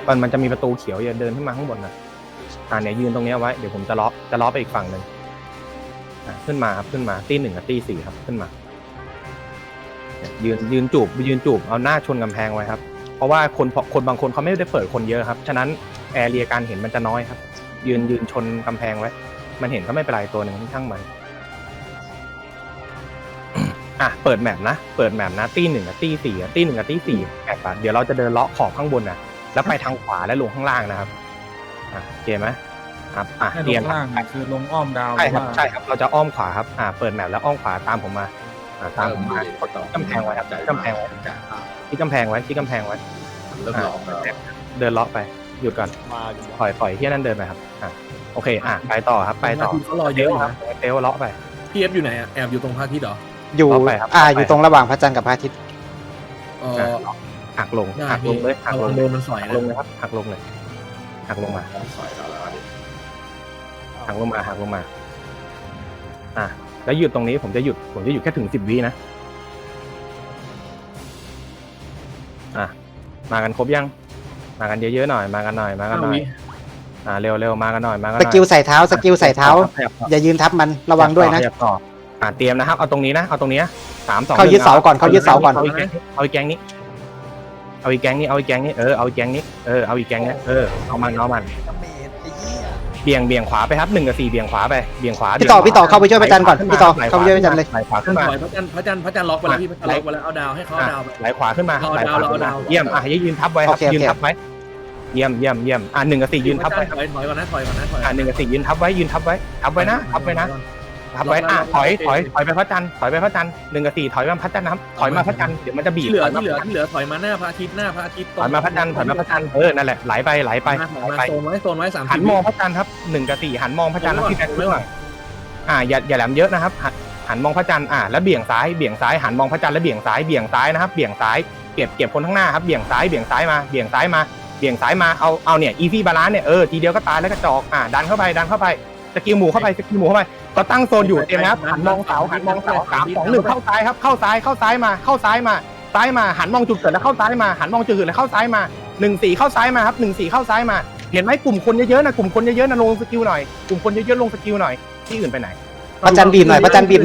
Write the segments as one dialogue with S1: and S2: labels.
S1: มันจะมีประตูเขียวอย่าเดินขึ้นมาข้างบนนะเนี่ยยืนตรงนี้ไว้เดี๋ยวผมจะล้อไปอีกฝั่งหนึ่งขึ้นมาครับขึ้นมาตี 1กับตี 4ครับขึ้นมายืนจูบเอาหน้าชนกำแพงไว้ครับเพราะว่าคนบางคนเขาไม่ได้เปิดคนเยอะครับฉะนั้นแอเรียการเห็นมันจะน้อยครับยืนชนกำแพงไว้มันเห็นก็ไม่เป็นไรตัวหนึ่งช่างมันเปิดแมปนะตี 1กับตี 4ตี 1กับตี 4แอบเดี๋ยวเราจะเดินเลาะขอบข้างบนนะแล้วไปทางขวาและลงข้างล่างนะครับโอเคไหมครับ
S2: เตรียมล่างคือลงอ้อมดาว
S1: ใช่ครับเราจะอ้อมขวาครับเปิดแมปแล้วอ้อมขวาตามผมมาตามผมมาที่กำแพงไว้ครับที่กำแพงไว้ที่กำแพงไว้เดินเลาะไปหยุดก่อนปล่อยที่นั่นเดินไปครับโอเคไปต่อครับไปต่อ
S2: เขารอเยอะครับ
S1: เตลเลาะไป
S2: พี่เอฟอยู่ไหนแอบอยู่ตรงพระอาทิตย์เหรอ
S3: อยู่อยู่ตรงระหว่างพระจันทร์กับพระอาทิตย์
S1: หักลงเลยหักลง
S2: โดนมันสอย
S1: ลงเลยครับหักลงเลยหักลงมาหักลงมาแล้วหยุดตรงนี้ผมจะหยุดแค่ถึง10 วินะมากันครบยังมากันเยอะๆหน่อยมากันหน่อยเร็วมากันหน่อย
S3: สกิลใส่เท้าอย่ายืนทับมันระวังด้วยนะ
S1: เตรียมนะครับเอาตรงนี้นะ3 2
S3: เขายึดเสาก่อน
S1: เอาอีกแก๊งนี้เอาอีกแก๊งนี้เอาอีกแก๊งนี้เอาอีกแก๊งนี้เอามันเบี่ยงขวาไปครับ1กับ4เบี่ยงขวาไปเบี่ยงขวา
S3: พี่ต่อเข้าไปช่วยพระจันทร์ก่อนพี่ต่อเข้าไปช่วยพระจันทร์เลย
S1: ไหลขวาขึ้นมา
S2: พระจันทร์ล็อกไปแล้วพี่พระจันทร์ล็อกไปแล้วเอาดาวให้เขาดาว
S1: ไหลขวาขึ้นมาเยี่ยมยืนทับไว้ครับยืนทับไว้เยี่ยม1กับ4ยืนทับไว้
S2: ถอยก่อนนะ
S1: 1กับ4ยืนทับไว้นะถอยไปพระจันทร์1กับ4ถอยมาพระจันทร์นะครับถอยมาพระจันทร์เดี๋ยวมันจะบีบ
S2: ที่เหลือถอยมาหน้าพระอาทิตย์
S1: ถอยมาพระจันทร์นั่นแหละไหลไป
S2: โซนไว้30
S1: หันมองพระจันทร์ครับ1กับ4หันมองพระจันทร์ที่แบงค์เรื่องอย่าแหลมเยอะนะครับหันมองพระจันทร์แล้วเบี่ยงซ้ายหันมองพระจันทร์แล้วเบี่ยงซ้ายนะครับเบี่ยงซ้ายเก็บคนข้างหน้าครับเบี่ยงซ้ายมาเอาเนี่ยอีซี่บาลานซ์เนี่ยทีเดียวก็ตายแล้วก็จอกดันเข้าไปสกิลหมู่เข้าไปก็ตั้งโซนอยู่เต็มนะครับหันมองเสา3 2 1เข้าซ้ายครับเข้าซ้ายมาหันมองจุดเกิดแล้วเข้าซ้ายมาหันมองจุดเกิดแล้วเข้าซ้ายมา1 4เข้าซ้ายมาครับ1 4เข้าซ้ายมาเห็นไหมกลุ่มคนเยอะๆนะลงสกิลหน่อยกลุ่มคนเยอะๆลงสกิลหน่อยที่อื่นไปไหน
S3: พระจันทร์บีบหน่อย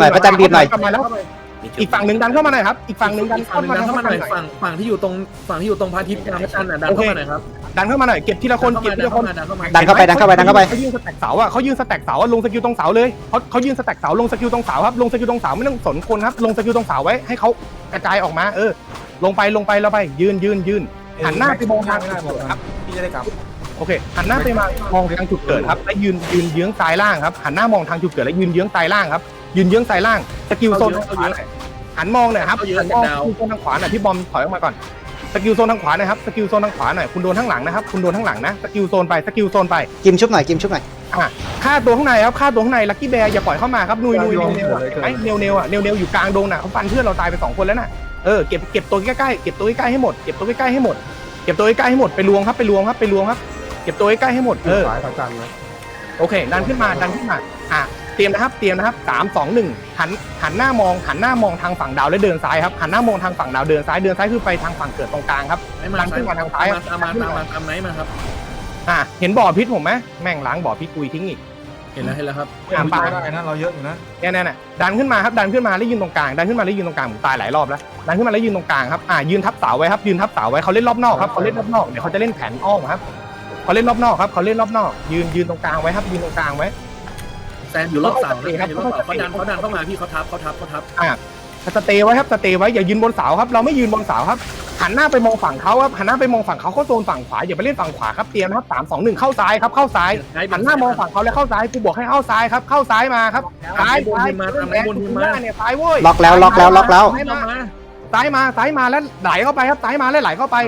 S1: อีกฝั่งหนึ่งดันเข้ามาหน่อยครับอีกฝั่งหนึ่งดันเข้ามาหน่อย
S2: ฝั่งที่อยู่ตรงพระอาทิตย์กับพระจันทร์ดันเข้ามาหน่อยครับ
S1: ดันเข้ามาหน่อยเก็บทีละคน
S3: ดันเข้าไป
S1: เขายืนสแต็กเสาลงสกิลตรงเสาเลยเขายืนสแต็กเสาลงสกิลตรงเสาครับลงสกิลตรงเสาไม่ต้องสนคนครับลงสกิลตรงเสาไว้ให้เขากระจายออกมาลงไปแล้วไปยืนหันหน้าไปมองทางครับพี่จะได้กลับโอเคหันหน้าไปมองทางจุดเกิดครับและยืนเยื้องซ้ายล่างครับหันหน้ามองทางจุดเกิดและยืนเยื้องซ้ายล่างครับยืนเยื้องซ้ายล่างสกิลโซนหันมองหน่อยครับหันมองโซนทางขวาหน่อยพี่บอมถอยออกมาก่อนสกิลโซนทางขวาหน่อยครับสกิลโซนทางขวาหน่อยคุณโดนข้างหลังนะครับคุณโดนข้างหลังนะสกิลโซนไป
S3: กิมชุบหน่อย
S1: ฆ่าตัวข้างในครับฆ่าตัวข้างในลัคกี้แบร์อย่าปล่อยเข้ามาครับนุยเนลอยู่กลางดงน่ะเขาฟันเพื่อนเราตายไป2 คนแล้วน่ะเก็บตัวใกล้ๆให้หมดไปรวมครับเก็บตัวใกล้ๆให้หมดโอเคดันขึ้นมาเตรียมนะครับ3 2 1หันหน้ามองทางฝั่งดาวและเดินซ้ายครับหันหน้ามองทางฝั่งดาวเดินซ้ายคือไปทางฝั่งเกิดตรงกลางครับดันขึ้นมาทางซ้าย
S2: ตามไหนมาครับ
S1: เห็นบ่อพิษผมไหมแม่งล้างบ่อพิษกุยทิ้งอีก
S2: เห็นแล้วครับ
S1: ปลาได้นะเราเยอะอยู่นะเนี่ยดันขึ้นมาครับดันขึ้นมาแล้วยืนตรงกลางผมตายหลายรอบแล้วดันขึ้นมาแล้วยืนตรงกลางครับยืนทับเสาไว้ครับเขาเล่นรอบนอกครับเดี๋ยวเขาจะเล่นแผนอ้อมครับเขาเล่นรอบนอกยืนตรงกลางไว้ครับยืนตรงกลางไว้
S2: แซนอยู่รอบเสาครับเขาดันเข้ามาพี่เขาทับ
S1: สเตย์ไว้อย่ายืนบนเสาครับเราไม่ยืนบนเสาครับหันหน้าไปมองฝั่งเขาครับเขาโซนฝั่งขวาอย่าไปเล่นฝั่งขวาครับเตรียมนะครับ3 2 1เข้าซ้ายครับเข้าซ้ายหันหน้ามองฝั่งเขาแล้วเข้าซ้ายกูบอกให้เข้าซ้ายครับเข้าซ้ายมาครับซ้าย
S2: มาทำไรบนมา
S1: เนี่ยซ้ายเว้ย
S3: ล็อกแล้ว
S1: ซ้ายมาแล้วไหลเข้าไปครับซ้ายมาแล้วไหลเข้าไป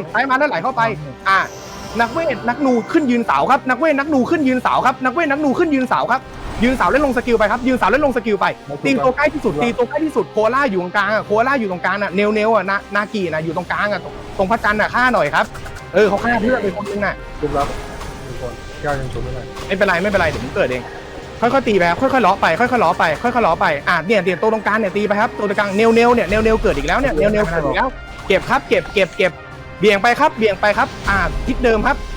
S1: นักเวทนักนูขึ้นยืนเสาครับนักเวทนักนูขึ้นยืนเสาครับยืนเสาแล้วลงสกิลไปครับตีตัวใกล้ที่สุดโคล่าอยู่ตรงกลางน่ะเนลอ่ะนากีน่ะอยู่ตรงกลางอ่ะตรงพระจันทร์น่ะฆ่าหน่อยครับเขาฆ่าเพื่อนไปคนนึงน่ะชุบแล้วคนแก้วยังชุบไม่เป็นไรเดี๋ยวผมเกิดเองค่อยๆตีไปค่อยๆล้อไปเนี่ยเดี๋ยวตัวตรงกลางเนี่ยตีไปครับตัวตรงกลางเนลเกิดอีกแล้วเนี่ยเนลเกิดอีกแล้วเก็บครับเก็บเบี่ยงไปครับทิศเดิมครับ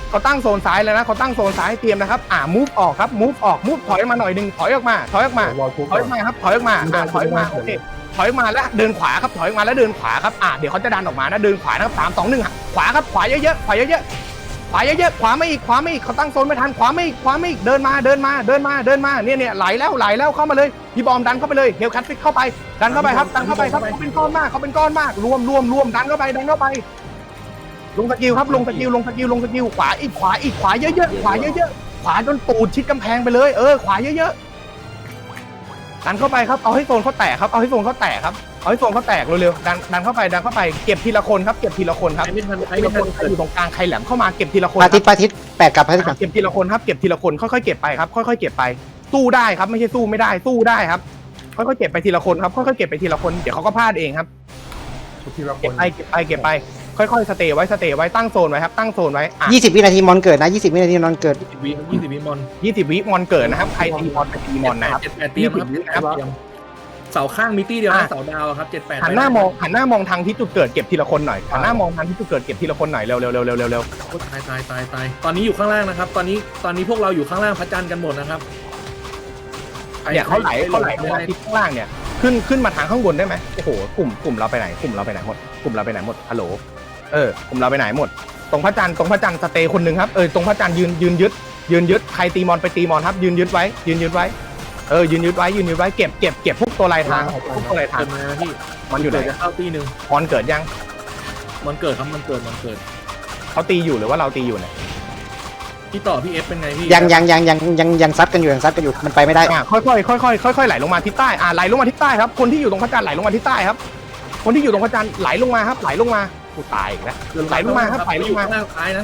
S1: เขาตั้งโซนซ้ายแล้วนะเขาตั้งโซนซ้ายเตรียมนะครับมูฟออกครับมูฟออกมูฟถอยมาหน่อยนึงถอยออกมาถอยออกมาถอยออกมาครับถอยออกมาถอยออกมาโอเคถอยออกมาแล้วเดินขวาครับถอยออกมาแล้วเดินขวาครับเดี๋ยวเขาจะดันออกมานะเดินขวานะครับ3 2 1ขวาครับขวาเยอะๆขวาเยอะๆขวาเยอะๆขวาไม่อีกเขาตั้งโซนไม่ทันขวาไม่อีกเดินมาเนี่ยไหลแล้วเข้ามาเลยพี่บอมดันเข้าไปเลยเฮลคัตฟิกเข้าไปดันเข้าไปครับดันเข้าไปครับเขาเป็นก้อนมากรวมดันเข้าไปลงสกิลครับลงสกิลขวาเยอะๆขวาจนตูดชิดกำแพงไปเลยขวาเยอะๆดันเข้าไปครับเอาให้โซนเขาแตกครับเอาให้โซนเขาแตกเร็วๆดันเข้าไปเก็บทีละคนครับทีละคนใครอยู่ตรงกลางใครแหลมเข้ามาเก็บทีละคน
S3: พาทิตแปดกลับพาทิตก่อน
S1: เก็บทีละคนครับเก็บทีละคนค่อยๆเก็บไปครับค่อยๆเก็บไปสู้ได้ครับไม่ใช่สู้ไม่ได้สู้ได้ครับค่อยๆเก็บไปทีละคนครับค่อยๆเก็บไปทีละคนเดี๋ยวเขาก็พลาดเองครับเก็บไปค่อยๆสเตย์ไว้ตั้งโซนไว้ครับตั้งโซนไว้
S3: 20 วินาทีมอนเกิดนะ20 วินาทีมอนเกิด
S2: 20 วิมอน
S1: 20 วิมอนเกิดนะครับใครตีมอนไปตีมอนนะครับ
S2: 7-8เตรียมครับเสาข้างมิตี้เดียวนะเสาดาวครับ7-8
S1: หันหน้ามองทางที่จุดเกิดเก็บทีละคนหน่อยหันหน้ามองทางที่จุดเกิดเก็บทีละคนหน่อยเร็ว
S2: ตายตอนนี้อยู่ข้างล่างนะครับตอนนี้พวกเราอยู่ข้างล่างพระจันทร์กันหมดนะครับ
S1: เนี่ยเขาไหลมาที่ข้างล่างเนี่ยขึ้นมาทางข้างบนได้ไหมโอ้โหกลุ่มเราไปไหนหมดฮัลโหลกลุ่มเราไปไหนหมดตรงพระจันทร์สเตย์คนหนึ่งครับตรงพระจันทร์ยืนยึดใครตีมอนไปตีมอนครับยืนยึดไว้ยืนยึดไว้เก็บพวกตัวลายทาง
S2: มาพี่
S1: มันอยู่ไหน
S2: จะเข้าตีหนึ่ง
S1: มอนเกิดยัง
S2: มันเกิดครับมันเกิด
S1: เขาตีอยู่หรือว่าเราตีอยู่เนี่ย
S2: พี่ต่อพี่เอฟเป็นไงพี่
S3: ยังซัดกันอยู่มันไปไม่ได้
S1: ค่อยไหลลงมาทิศใต้ไหลลงมาทิศใต้ครับคนที่อยู่ตรงพระจันทร์ไหลลงมาทิศใต้ครับคนที่อยู่ตรงพระจันทร์ไหลลงมาครับไหลลงมากูตายอีกแล้วไหลลงมาครับไหลลงมา
S2: ซ้ายนะ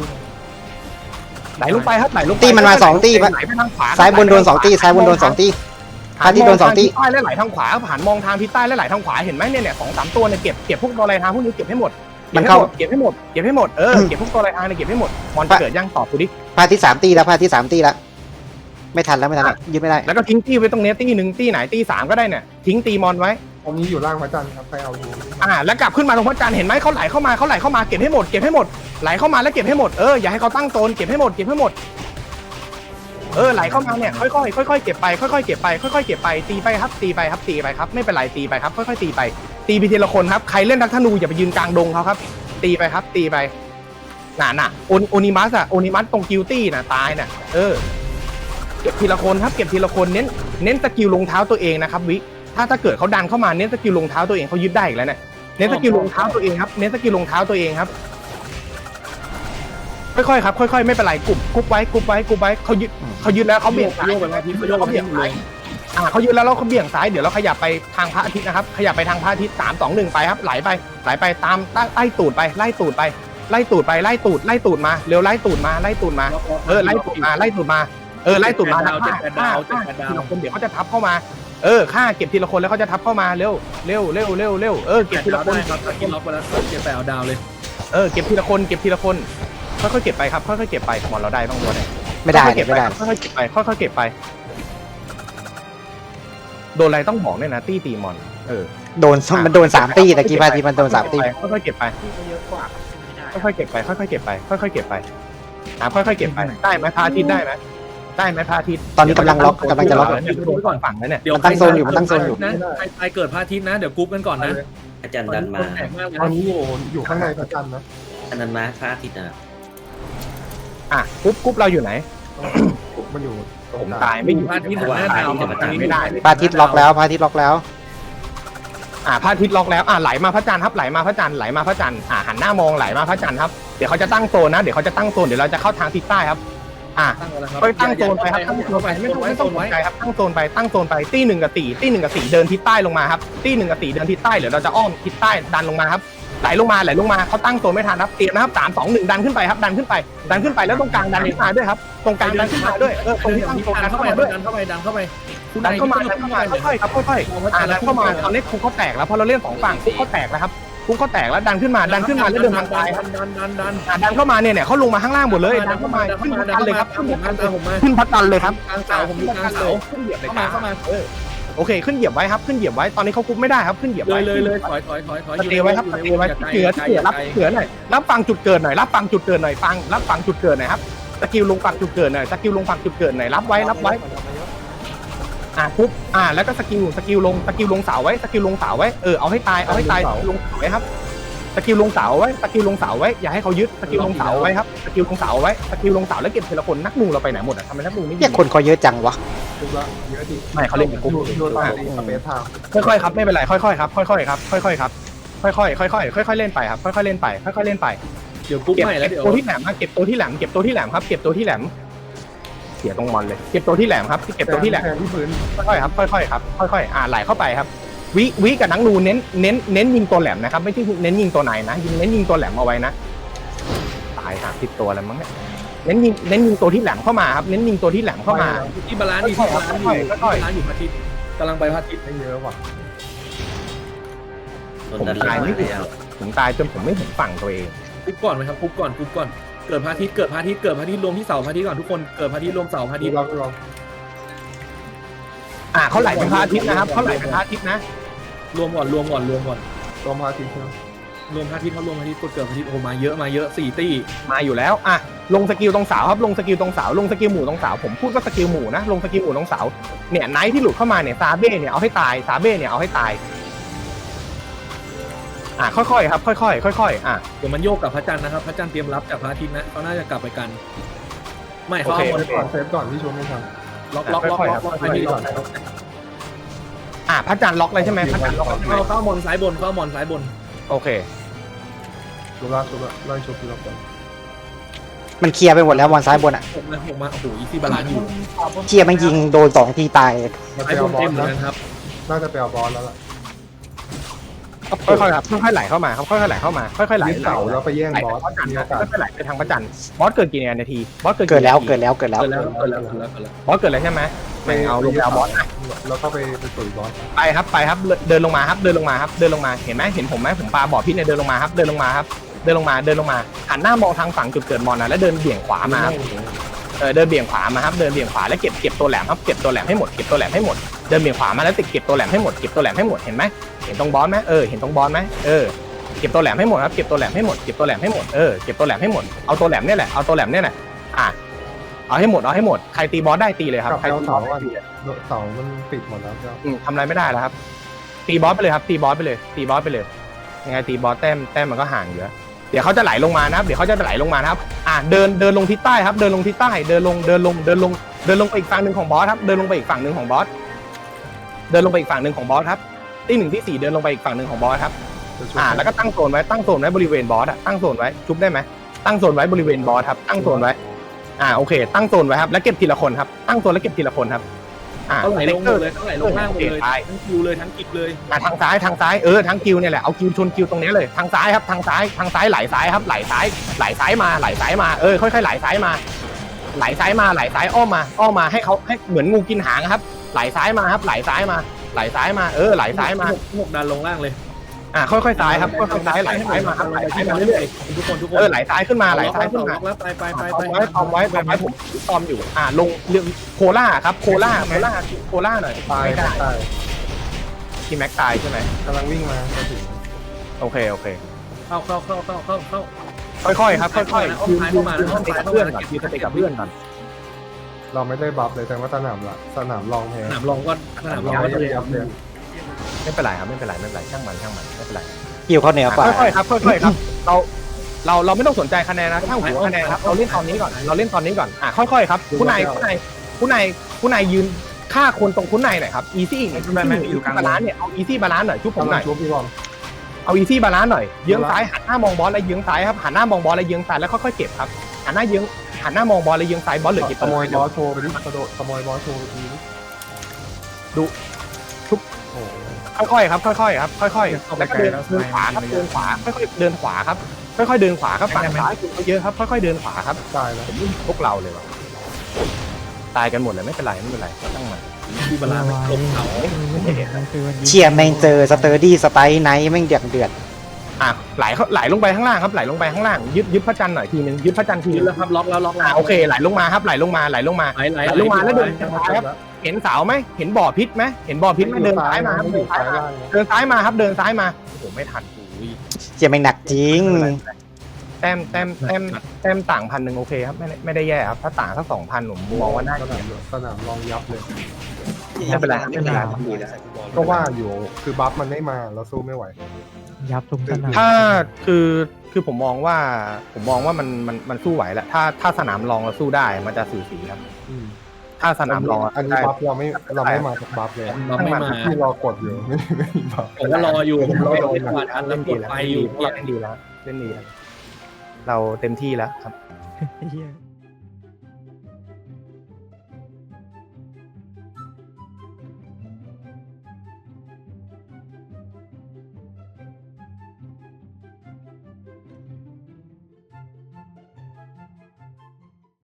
S1: ไหลลงไปครับไหลลง
S3: ตีมันมา2ตีไหลไปทางขวาซ้ายบนโดน2ตีพาทิตโดน2ตี
S1: ใต้และไหลทางขวาผ่านมองทางทิศใต้และไหลทางขวาเห็นไหมเนี่ย2-3ตัวเนี่ยเก็บพวกตัวลายทางพวกนี้เก็บให้หมดมันเข้าเก็บให้หมดเก็บพวกตัวลายทางเนี่ยเก็บให้หมดมอนเกิดยังตอบกูดิ
S3: พาทิต3ตีแล้วไม่ทันแล้วยึดไม่ได้
S1: แล้วก็ทิ้งตีไว้ตรงนี้ตี1ตีไหนตี3ก็ได้เนี่ยทิ้งตีมอนไว้
S4: ตรงนี้อยู่ล่างพระจันทร์ครับใครเอาอยู่
S1: แล้วกลับขึ้นมาตรงพระจันทร์เห็นไหมเขาไหลเข้ามาเก็บให้หมดไหลเข้ามาแล้วเก็บให้หมดอย่าให้เขาตั้งโซนเก็บให้หมดไหลเข้ามาเนี่ยค่อยๆเก็บไปตีไปครับไม่เป็นไรตีไปครับค่อยๆตีไปทีละคนครับใครเล่นทักธนูอย่าไปยืนกลางดงเขาครับตีไปครับตีไปน่ะโอนิมัสตรงกิลตี้น่ะตายน่ะเก็บทีละคนครับเน้นสกิลรองเท้าตัวเองนะครับวิถ้าเกิดเขาดันเข้ามาเน้นสกิลรองเท้าตัวเองเขายึดได้อีกแล้วเนี่ยเน้นสกิลรองเท้าตัวเองครับค่อยๆครับค่อยๆไม่เป็นไรกุ๊บไว้เขายึดแล้วเขาเบี่ยงซ้ายเขายึดแล้วเขาเบี่ยงซ้ายเดี๋ยวเราขยับไปทางพระอาทิตย์นะครับขยับไปทางพระอาทิตย์3 2 1ไปครับไหลไปตามไล่ตูดมาเร็วไล่ตูดมาไล่ตูดมาแล้วทีละคนเดี๋ยวเขาจะทับเข้ามาฆ่าเก็บทีละคนแล้วเขาจะทับเข้ามาเร็วเก็บทีละคน
S2: ครับล็อกไปแล้วเก็บไปเอาดาวเลย
S1: เก็บทีละคนค่อยๆเก็บไปครับค่อยๆเก็บไปมอนเราได้บ้างตัวไหน
S3: ไม่ได้
S1: ค่อยๆเก็บไปโดนอะไรต้องบอกเนี่ยนะตีมอน
S3: มันโดน3ตีตะกี้พาทิตมันโดน3ตี
S1: ค่อยๆเก็บไปค่อยๆเก็บไปได้ไหมพาทิตได้ไหมพาทิต
S3: ตอนนี้กำลังจะล็อก
S1: ฝั่งนั้นเนี่ย
S3: เดี๋ยวตั้งโซนอยู่
S2: นะใครเกิดพาทิตนะเดี๋ยวกรุ๊ปกันก่อนนะ
S5: อาจารย์ดันมา
S4: ตอนนี้อยู่ข้างในพระจันทร์นะ
S5: อาจารย์ดันมาพระอาทิตย์
S1: กรุ๊ปเราอยู่ไหน
S4: มันอยู่
S1: ผมตายไม่อยู่
S2: พาทิตย์
S1: ไม่ได้
S3: พาทิตล็อกแล้วพาทิตล็อกแล้ว
S1: ไหลมาพระจันทร์ครับไหลมาพระจันทร์หันหน้ามองไหลมาพระจันทร์ครับเดี๋ยวเขาจะตั้งโซนนะเดี๋ยวเราจะเข้าทางทิศใต้ครับไปตั้งโซนไปครับตั้งโซนไปไม่ต้องสนใจครับตั้งโซนไปตี1 กับ 4เดินทิศใต้ลงมาครับตี1 กับ 4เดินทิศใต้เดี๋ยวเราจะอ้อมทิศใต้ดันลงมาครับไหลลงมาเขาตั้งโซนไม่ทันครับเตรียมนะครับ3 2 1ดันขึ้นไปครับดันขึ้นไปแล้วตรงกลางดันขึ้นมาด้วยครับตรงกลางดันขึ้นมาด้วยตรงที่ตั้งโซนดันเข้ามาด้วย
S2: ดันเข้ามา
S1: ค่อยๆครับค่อยๆดันเข้ามาตอนนี้คุกเขาแตกแล้วพอเราเล่น2ฝั่งคุกเขาแตกแล้วครับคุกเขาแตกแล้วดันขึ้นมาแล้วเดินทางซ้ายดันเข้ามาเนี่ยเขาลงมาข้างล่างหมดเลยดันเข้ามาขึ้นพัดเลยครับขึ้นพัดเลยครับ
S2: กลางเสาผมอยู่กลางเสา
S1: ขึ้นเหยียบเลยเข้ามาโอเคขึ้นเหยียบไว้ครับขึ้นเหยียบไว้ตอนนี้เขาคุบไม่ได้ครับขึ้นเหยียบ
S2: เล
S1: ไว้
S2: ยเลยถอย
S1: สเตย์ไว้ครับสเตย์ไว้เหนือรับเหนือหน่อยรับฟังจุดเกิดหน่อยรับฟังจุดเกิดหน่อยฟังรับฟังจุดเกิดหน่อยครับสกิลลงฝั่งจุดเกิดหน่อยสกิลลงฝั่งจุดเกิดหน่อยรับไว้ปุ๊บแล้วก็สกิลลงเสาไว้สกิลลงเสาไว้เอาให้ตายลงเสาไว้ครับสกิลลงเสาไว้สกิลลงเสาไว้อย่าให้เขายึดสกิลลงเสาไว้ครับสกิลลงเสาไว้สกิลลงเสาแล้วเก็บทีละคนนักนูเราไปไหนหมดอ่ะทำไมนักนูไม่
S3: เนี่ยคนเขาเยอะจังวะ
S4: ทุกละเยอะดิ
S1: ไม่เขาเล่นกับกุ๊ก
S4: โดนตามสเปซทาง
S1: ค่อยๆครับไม่เป็นไรค่อยๆครับค่อยๆครับค่อยๆครับค่อยๆเล่นไปครับค่อยๆเล่นไปค่อยๆเล่นไป
S2: เดี๋ยวปุ๊บ
S1: เก็บ
S2: ใหม่แล้วเดี๋ยว
S1: ตัวที่แหลมครับเก็บตัวที่แหลมครับเก็บตัวที่แหลมเสียตรงมอนเลยเก็บตัวที่แหลมครับเก็บตัวที่แหลม
S4: แทนที่พื้น
S1: ค่อยๆครับค่อยๆครับค่อยๆไหลเข้าไปครับวิกับนังนูเน้นยิงตัวแหลมนะครับไม่ใช่เน้นยิงตัวไหนนะเน้นยิงตัวแหลมเอาไว้นะตาย30ตัวแล้วมั้งเนี่ยเน้นยิงตัวที่แหลมเข้ามาครับเน้นยิงตัวที่แหลมเข้ามา
S2: ที่บาลานซ์อยู่ที่บาลานซ์อยู่พระอาทิตย์กำลังไปพระอาทิตย์
S4: ไม่เยอะว่ะ
S5: โดนดันหลังแล้ว
S1: ผมตายจนผมไม่เห็นฝั่งตัวเอง
S2: ปุ๊บก่อนไหมครับปุ๊บก่อนเกิดพระอาทิตย์รวมที่เสาพระอาทิตย์ก่อนทุกคนเกิดพระอาทิตย์รวมเสาพระอาทิตย์
S4: เรา
S1: เขาไหลเป็นพระอาทิตย์นะครับเขาไหลเป็นพระอาทิตย์นะ
S2: รวมก่อน
S4: ลงมาทีเดียว
S2: รวมพระอาทิตย์เขารวมพระอาทิตย์กดเกิดพระอาทิตย์โอ้มาเยอะ4ตี้
S1: มาอยู่แล้วลงสกิลตรงเสาครับลงสกิลตรงเสาลงสกิลหมู่ตรงเสาผมพูดว่าสกิลหมู่นะลงสกิลหมู่ตรงเสาเนี่ยไนท์ที่หลุดเข้ามาเนี่ยซาเบ้เนี่ยเอาให้ตายซาเบ้เนี่ยเอาให้ตายค่อยๆครับค่อยๆ
S2: เดี๋ยวมันโยกกับพระจันทร์นะครับพระจันทร์เตรียมรับจากพระอาทิตย์นะเขาน่าจะกลับไปกันไม่เขาเอา
S4: เซฟก่อนที่ชมไม่ทัน
S2: ล็อกพระอาทิตย์ก่อน
S1: พระจันทร์ล็อกเลยใช่ไหมพระจันทร์ล็อก
S2: เข้ามอนซ้ายบน
S1: โอเค
S4: ชุบละไล่ชุบที่เราก่อน
S3: มันเคลียร์ไปหมดแล้ววันซ้ายบนอ่ะ
S2: หกมาโอ้โหอีซี่บาลานซ์อยู่
S3: เคลียร์มันยิงโดน2 ทีตาย
S2: ซ้ายบนเต็มเหมือนกันครับ
S4: น่าจะไปเอาบอลแล้วล่ะ
S1: ค่อยๆครับค่อยๆไหลเข้ามาครับค่อยๆไหลเข้ามาค่อยๆไหล
S4: ยึดเสาแล้วไปแย่ง
S1: ไหล
S4: บอส
S1: พระจันทร์
S4: มี
S1: ค
S4: โอ
S1: รับ
S4: กาส
S1: ค่อยๆไหลไปทางพระจันทร์บอสเกิดกี่นาทีบอสเกิด
S3: เกิดแล้ว
S1: บอสเกิดแล้วใช่ไหมไม่เอาลงแล้วบอส
S4: แล้วก็ไปตุ๋ยบอส
S1: ไปครับเดินลงมาเห็นไหมเห็นผมไหมผมปาบ่อพิษเนี่ยเดินลงมาครับเดินลงมาหันหน้ามองทางฝั่งจุดเกิดมอนนะแล้วเดินเบี่ยงขวามาครับเดินเบี่ยงขวามาครับเดินเบี่ยงขวาแล้วเก็บตัวแหลมครับเก็บตัวแหลมให้หมดเก็บตัวแหลมให้หมดเดินเบี่ยงขวามาแล้วติดเก็บตัวแหลมให้หมดเห็นไหมเห็นตรงบอสไหมเห็นตรงบอสไหมเก็บตัวแหลมให้หมดครับเก็บตัวแหลมให้หมดเก็บตัวแหลมให้หมดเก็บตัวแหลมให้หมดเอาตัวแหลมเนี่ยแหละเอาให้หมดใครตีบอสได้ตีเลยครับ
S4: กับ
S1: ใคร
S4: เอา
S1: ตีบ
S4: เสา
S1: อส
S4: ก่อนเสามันปิดหมดแล้วเจ้า
S1: ทำอะไรไม่ได้แล้วครับตีบอสไปเลยครับตีบอสไปเลยยังไงตีบอสแต้มมันก็ห่างอยู่แล้วเดี๋ยวเขาจะไหลลงมานะครับเดินลงทิศใต้ครับเดินลงทิศใต้เดินลงไปอีกฝั่งหนึ่งของบอสครับเดินลงไปอีกฝั่งหนึ่งของบอสครับที่1ที่4เดินลงไปอีกฝั่งหนึ่งของบอสครับแล้วก็ตั้งโซนไว้บริเวณบอสตั้งโซนไว้ชุบได้ไหมตั้งโซนไว้บริเวณบอสครับตั้งโซนไว้โอเคตั้งโซนไว้ครับแล้วเก็บทีละคนครับตั้งโซนแล้วเก็บทีละคนครับ
S2: เขาไหลลงเลยล่างหมดเลยทั้งคิวเลยทั้งกิจเลย
S1: ทางซ้ายทั้งคิวเนี่ยแหละเอาคิวชนคิวตรงนี้เลยทางซ้ายครับทางซ้ายไหลซ้ายครับไหลซ้ายมาค่อยๆไหลซ้ายมาอ้อมมาให้เขาให้เหมือนงูกินหางครับไหลซ้ายมาครับไหลซ้ายมาไหลซ้ายมา
S2: พวกดันลงล่างเลย
S1: ค่อยๆซ้ายครับค่อยๆซ้ายไหลซ้ายมาครับไหลซ้ายมาเรื่อยๆ
S2: ทุกคน
S1: ไหลซ้ายขึ้นมา
S2: แล้วไป
S1: ตอมไว้ผมตอมอยู่ลงเรื่องโคล่าครับโคล่าหน่อย
S4: ตาย
S1: ไม่ได้
S4: ตาย
S1: ที่แม็กตายใช่ไหม
S4: กำลังวิ่งมาจะถึง
S1: โอเค
S2: เข้า
S1: ค่อยๆครับค่อยๆยืนกับเพื่อนก่อน
S4: เราไม่ได้บัฟเลยแต่ว่าสนามรองแพ้
S2: สนามรองก็
S4: เลยครับเลย
S1: ไม่เป็นไรครับไม่เป็นไรช่างมันไม่เป็นไร
S3: คิวเขาเหนือกว่า
S1: ค่อยๆครับเราไม่ต้องสนใจคะแนนนะช่างหัวคะแนนครับเราเล่นตอนนี้ก่อนค่อยๆครับคุณนายยืนฆ่าคนตรงคุณนายหน่อยครับอีซี่บาลานซ์เนี่ยเอาอีซี่บาลานซ์หน่อยชุบผมหน่อยเอาอีซี่บาลานซ์หน่อยเยื้องซ้ายหันหน้ามองบอลแล้วเยื้องซ้ายครับหันหน้ามองบอลแล้วเยื้องซ้ายแล้วค่อยๆเก็บครับหันหน้ามองบอลแล้วเยื้องซ้ายบอลเหลือเก็บ
S4: ขโมยบอสโชว์ไปดิกระโดดขโมยบอสโชว์ไปที
S1: ดูชุบค่อยๆครับแล้วก็เดินขวาครับค่อยๆเดินขวาครับฝั่งซ้ายคุณเยอะครับค่อยๆเดินขวาครับ
S4: ตายแล้ว
S1: พวกเราเลยว่ะตายกันหมดเลยไม่เป็นไรตั้งมา
S2: ที่บาลานซ์ลงเขา
S3: เชียร์แม่งเจอสเตอร์ดี้สไตล์ไนท์แม่งเดือด
S1: ไหลลงไปข้างล่างครับไหลลงไปข้างล่างยึดพระจันทร์หน่อยทีนึงยึดพระจันทร์ที
S2: ยื
S1: นึ
S2: น
S1: ง
S2: แล้วครับล็อกแล้ว
S1: โอเคไหลลงมาครับไหลลงมา
S2: ไหล
S1: ลงมาแล้วเดินซ้ายครับเห็นเสาไหมเห็นบ่อพิษไหมเห็นบ่อพิษไหมเดินซ้ายมาครับเดินซ้ายมาเดินซ้ายมาครับเดินซ้ายมาโอ้โหไม่ทัน
S3: เจียแม่งหนักจริง
S1: แต้มต่าง1,000โอเคครับไม่ได้แย่ครับถ้าต่างสัก2,000ผมมองว่าน่า
S4: สนามลองยับเลย
S1: ไม่เป็นไรไม่เป็นไร
S4: ก็ว่าอยู่คือบัฟมันไม่มาเราสู้ไม่ไหว
S6: ยับทุกสนาม
S1: ถ้าคือผมมองว่ามันสู้ไหวแหละถ้าสนามรองเราสู้ได้มันจะสูสีครับถ้าสนามรอง
S4: อันนี้บัฟเราไม่มาจากบัฟเลย
S2: เราไม่มา
S4: ที่รอกดอยู่ไม่มีบัฟ
S2: ผมก็รออยู่ผมรอเล่นกวาดอัน
S1: เล่
S2: เล่
S1: น
S2: น
S1: ดี
S2: กด
S1: แล้ว
S2: ไปอยู่
S1: เล่นดีแล้วเราเต็มที่แล้วครับ
S6: เหี้ย